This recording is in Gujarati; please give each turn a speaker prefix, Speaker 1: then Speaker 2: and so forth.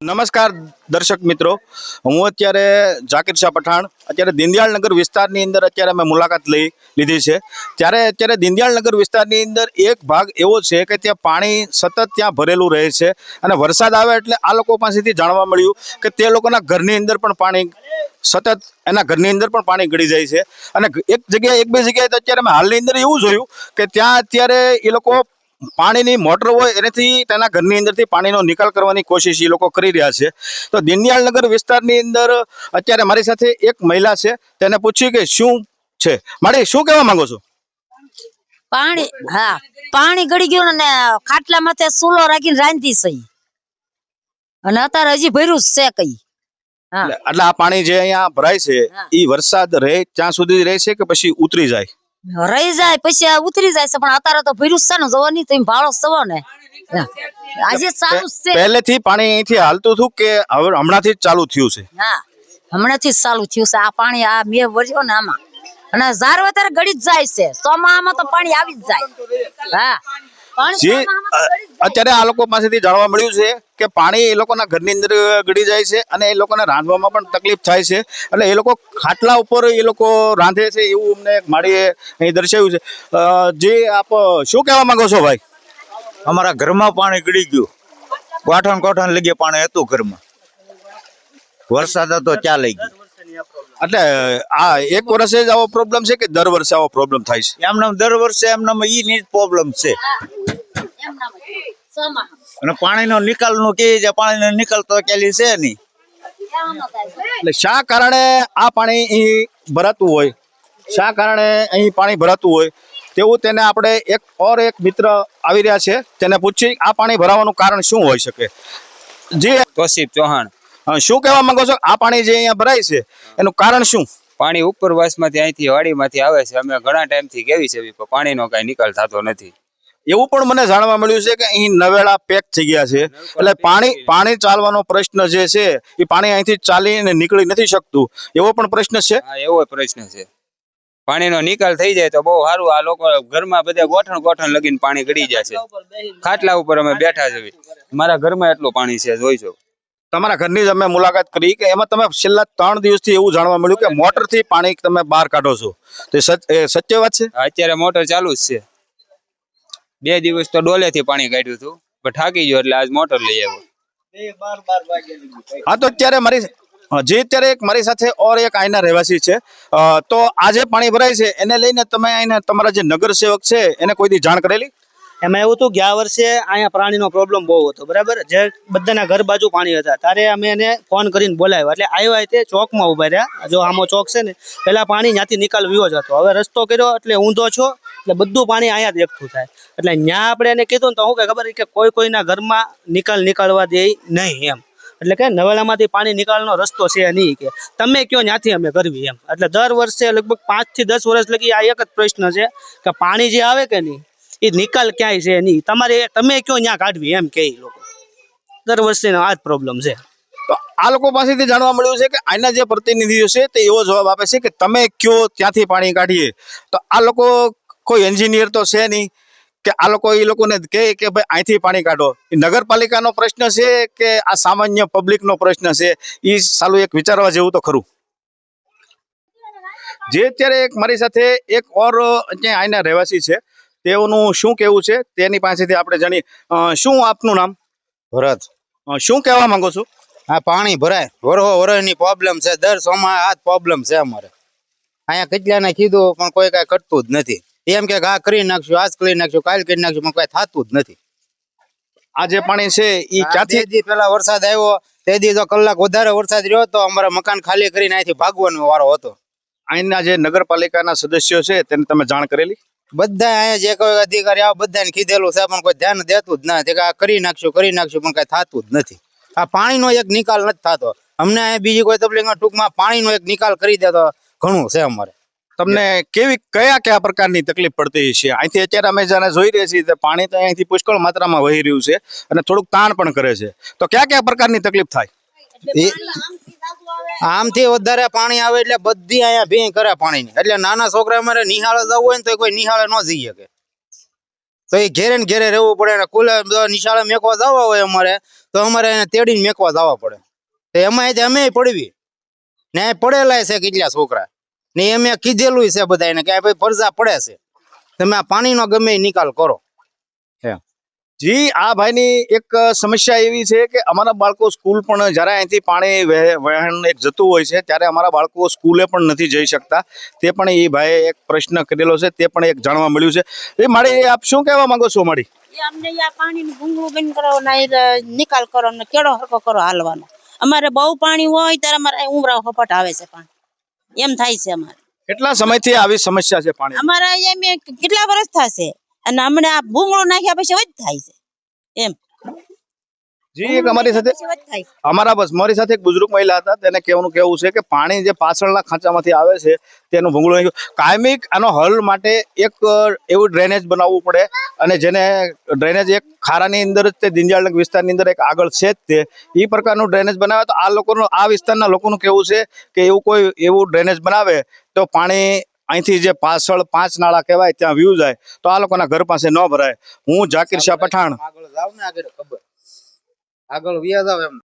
Speaker 1: નમસ્કાર દર્શક મિત્રો, હું અત્યારે ઝાકિર શાહ પઠાણ અત્યારે દીનદયાળનગર વિસ્તારની અંદર અત્યારે અમે મુલાકાત લીધી છે। અત્યારે દીનદયાળનગર વિસ્તારની અંદર એક ભાગ એવો છે કે ત્યાં પાણી સતત ત્યાં ભરેલું રહે છે અને વરસાદ આવે એટલે આ લોકો પાસેથી જાણવા મળ્યું કે તે લોકોના ઘરની અંદર પણ પાણી સતત એના ઘરની અંદર પણ પાણી ગળી જાય છે અને એક બે જગ્યાએ તો અત્યારે અમે હાલની અંદર એવું જોયું કે ત્યાં અત્યારે એ લોકો પાણીની મોટર હોય એનાથી તેના ઘરની અંદરથી પાણીનો નિકાલ કરવાની કોશિશ એ લોકો કરી રહ્યા છે। તો દીનદયાળનગર વિસ્તારની અંદર અત્યારે મારી સાથે એક મહિલા છે, તેને પૂછ્યું કે શું છે, માડી શું કહેવા માંગો છો?
Speaker 2: પાણી હા પાણી ગળી ગયું ને ખાટલા માથે ચૂલો રાખીને રાંધી સહી અને અત્યારે હજી ભર્યું છે કઈ।
Speaker 1: એટલે આ પાણી જે અહીંયા ભરાય છે એ વરસાદ રહે ત્યાં સુધી રહે છે કે પછી ઉતરી જાય?
Speaker 2: રહી જાય પછી આ ઉતરી જાય છે, પણ અત્યારે તો ભર્યું છે ને જોવો નહીં તમે ભાળો સવો ને આજે ચાલુ છે।
Speaker 1: પહેલેથી પાણી અહીંથી હાલતું હતું કે હવે હમણાંથી જ ચાલુ થયું છે?
Speaker 2: હા હમણાંથી જ ચાલુ થયું છે આ પાણી, આ મેં વર્યો ને આમાં અને ઝાર અત્યારે ગળી જ જાય છે, ચોમાસામાં તો પાણી આવી જ જાય।
Speaker 1: અત્યારે આ લોકો પાસેથી જાણવા મળ્યું છે કે પાણી એ લોકોના ઘરની અંદર ગળી જાય છે અને એ લોકોને રાંધવામાં પણ તકલીફ થાય છે, એટલે એ લોકો ખાટલા ઉપર એ લોકો રાંધે છે એવું અમને માળીએ અહીં દર્શાવ્યું છે। જે આપ શું કહેવા માંગો છો ભાઈ?
Speaker 3: અમારા ઘરમાં પાણી ગળી ગયું, કોઠણ લગી પાણી હતું ઘરમાં, વરસાદ હતો ત્યાં લઈ ગયું।
Speaker 1: એટલે આ એક વર્ષે જ આવો પ્રોબ્લેમ છે કે દર વર્ષે આવો પ્રોબ્લેમ થાય છે?
Speaker 3: એમનામ દર વર્ષે એમનામ ઈ ની પ્રોબ્લેમ છે અને પાણીનો નિકાલ નું કે છે, પાણીનો નિકાલ તો કેલી છે નહીં।
Speaker 1: એટલે શા કારણે આ પાણી અહીં ભરાતું હોય, શા કારણે અહીં પાણી ભરાતું હોય તેવું તેને આપણે એક મિત્ર આવી રહ્યા છે તેને પૂછી આ પાણી ભરાવાનું કારણ શું હોઈ શકે। જી
Speaker 4: તોસીફ ચૌહાણ,
Speaker 1: શું કહેવા માંગો છો? આ પાણી જે અહીંયા ભરાય છે એનું કારણ શું?
Speaker 4: પાણી ઉપરવાસમાંથી અહીંથી વાડીમાંથી આવે છે, અમે ઘણા ટાઈમથી કેવી છે પણ પાણીનો કાંઈ નિકાલ થતો નથી।
Speaker 1: એવું પણ મને જાણવા મળ્યું છે કે અહીં નવેડા પેક થઈ ગયા છે, એટલે પાણી ચાલવાનો પ્રશ્ન જે છે એ પાણી અહીંથી ચાલીને નીકળી નથી શકતું, એવો પણ પ્રશ્ન છે?
Speaker 4: હા એવો પ્રશ્ન છે, પાણીનો નિકાલ થઈ જાય તો બહુ સારું। આ લોકો ઘરમાં બધા ગોઠણ લગીને પાણી ગળી જાય છે, ખાટલા ઉપર અમે બેઠા છે, મારા ઘરમાં એટલું પાણી છે જોઈ છો।
Speaker 1: તમારા ઘરની જ અમે મુલાકાત કરી કે એમાં તમે છેલ્લા 3 દિવસથી એવું જાણવા મળ્યું કે મોટરથી પાણી તમે બહાર કાઢો છો, તો સત્ય વાત છે?
Speaker 4: અત્યારે મોટર ચાલુ જ છે, 2 દિવસ તો ડોલેથી પાણી કાઢ્યું હતું પણ થાકી ગયો એટલે આજ મોટર લઈ આવ્યો।
Speaker 1: હા, તો અત્યારે મારી સાથે એક આઈના રહેવાસી છે, તો આજે પાણી ભરાય છે એને લઈને તમે આઈના તમારા જે નગર સેવક છે એને કોઈ દી જાણ કરેલી?
Speaker 5: એમાં એવું હતું, ગયા વર્ષે અહીંયા પાણીનો પ્રોબ્લેમ બહુ હતો, બરાબર, જે બધાના ઘર બાજુ પાણી હતા, ત્યારે અમે એને ફોન કરીને બોલાવ્યા, એટલે આવ્યા તે ચોકમાં ઉભા રહ્યા, જો આમો ચોક છે ને, પેલા પાણી ત્યાંથી નિકાલ વ્યો જ હતો, હવે રસ્તો કર્યો એટલે ઊંધો છો એટલે બધું પાણી અહીંયા જ એકઠું થાય, એટલે ત્યાં આપણે એને કીધું ને તો શું કે ખબર કે કોઈના ઘરમાં નીકળવા દે નહીં એમ, એટલે કે નવેલામાંથી પાણી નીકાળવાનો રસ્તો છે નહીં, કે તમે કયો ત્યાંથી અમે કરવી એમ। એટલે દર વર્ષે લગભગ 5 થી 10 વર્ષ લગી આ એક જ પ્રશ્ન છે કે પાણી જે આવે કે નહીં એ નિકાલ ક્યાંય છે નહીં, તમે કયો ત્યાં કાઢવી એમ કે લોકો દર વર્ષે આ જ પ્રોબ્લેમ છે।
Speaker 1: તો આ લોકો પાસેથી જાણવા મળ્યું છે કે આના જે પ્રતિનિધિઓ છે તે એવો જવાબ આપે છે કે તમે કયો ત્યાંથી પાણી કાઢીએ, તો આ લોકો કોઈ એન્જિનિયર તો છે નહીં કે આ લોકો એ લોકોને કહે કે ભાઈ અહીંથી પાણી કાઢો। એ નગરપાલિકાનો પ્રશ્ન છે કે આ સામાન્ય પબ્લિકનો પ્રશ્ન છે, એ સાલું એક વિચારવા જેવું તો ખરું। જે અત્યારે મારી સાથે એક આઈના રહેવાસી છે, તેઓનું શું કહેવું છે તેની પાસેથી આપણે જાણીએ। શું આપનું નામ?
Speaker 3: ભરત।
Speaker 1: શું કહેવા માંગો છો?
Speaker 3: આ પાણી ભરાય વરસની પ્રોબ્લેમ છે, દર સોમાં આ જ પ્રોબ્લેમ છે અમારે અહીંયા। કેટલાને કીધું પણ કોઈ કાંઈ કરતું જ નથી, એમ કે આ કરી નાખશું, આજ કરી નાખશું, કાલ કરી નાખશું, પણ કઈ થતું જ નથી।
Speaker 1: આ જે પાણી છે એ ક્યાંથી?
Speaker 3: પેલા વરસાદ આવ્યો તે દી તો કલાક વધારે વરસાદ રહ્યો તો અમારા મકાન ખાલી કરીને અહીંથી ભાગવાનો વારો હતો।
Speaker 1: અહીંના જે નગરપાલિકાના સદસ્યો છે તેને તમે જાણ કરેલી?
Speaker 3: બધા અહીંયા જે કોઈ અધિકારી આવે બધાને કીધેલું છે પણ કોઈ ધ્યાન દેતું જ નથી, કે આ કરી નાખશું પણ કઈ થતું જ નથી। આ પાણીનો એક નિકાલ નથી થતો અમને, બીજી કોઈ તકલીફ ટૂંકમાં પાણીનો એક નિકાલ કરી દે તો ઘણું છે અમારે।
Speaker 1: તમને કયા પ્રકારની તકલીફ પડતી છે? અહીંથી અત્યારે અમે જાણે જોઈ રહ્યા છીએ પાણી તો અહીંથી પુષ્કળ માત્રામાં વહી રહ્યું છે અને થોડુંક તાણ પણ કરે છે, તો કયા પ્રકારની તકલીફ થાય?
Speaker 3: આમથી વધારે પાણી આવે એટલે બધી અહીંયા ભીંગ કરે પાણીની, એટલે નાના છોકરા અમારે નિહાળે જવું હોય ને તો કોઈ નિહાળે ન જઈ શકે। તો એ ઘેરે ને ઘેરે રહેવું પડે ને કુલે નિશાળે મેકવા જવા હોય અમારે તો અમારે એને તેડીને મેકવા જવા પડે તો એમાં અમે પડવી ને પડેલા છે કેટલા છોકરા ને એમ કીધેલું છે બધાને કે ભાઈ ફરજા પડે છે તમે આ પાણીનો ગમે એ નિકાલ કરો.
Speaker 1: જી આ ભાઈની એક સમસ્યા એવી છે કે અમારા બાળકો સ્કૂલ પણ જ્યારે અહીંથી પાણી વહેણ એક જતું હોય છે ત્યારે અમારા બાળકો સ્કૂલે પણ નથી જઈ શકતા. તે પણ એ ભાઈએ એક પ્રશ્ન કરેલો છે, તે પણ એક જાણવા મળ્યું છે. એ મારી આપ શું કહેવા માંગો છો મારી?
Speaker 6: અમને આ પાણીનું ભૂંગળું બંધ કરો ને નિકાલ કરો ને કેળો હરકો કરો હાલવાનો. અમારે બહુ પાણી હોય ત્યારે અમારે ઉમરાવ હપટ આવે છે પાણી એમ થાય છે અમારે.
Speaker 1: કેટલા સમયથી આવી સમસ્યા છે પાણી?
Speaker 6: અમારે એમ કેટલા વર્ષ થશે અને હમણાં આ ભૂંગળું નાખ્યા પછી જ થાય છે એમ.
Speaker 1: જી એક અમારી સાથે
Speaker 6: પછી જ થાય છે.
Speaker 1: મારી સાથે એક બુઝુર્ગ મહિલા હતા, તેને કહેવાનું કેવું છે કે પાણી જે પાછળના ખાંચામાંથી આવે છે તેનું ભૂંગળું નાખ્યું. કાયમિક આનો હલ માટે એક એવું ડ્રેનેજ બનાવવું પડે અને જેને ડ્રેનેજ એક ખારાની અંદર જ તે દિંજાળ વિસ્તારની અંદર એક આગળ છે જ તે એ પ્રકારનું ડ્રેનેજ બનાવે તો આ લોકોનું આ વિસ્તારના લોકોનું કેવું છે કે એવું ડ્રેનેજ બનાવે તો પાણી અહીંથી જે પાછળ 5 નાળા કહેવાય ત્યાં વ્યૂ જાય તો આ લોકોના ઘર પાસે ન ભરાય. હું જાકીર શાહ પઠાણ.
Speaker 3: આગળ જાવ ને આગળ ખબર આગળ વ્યા જાવ એમ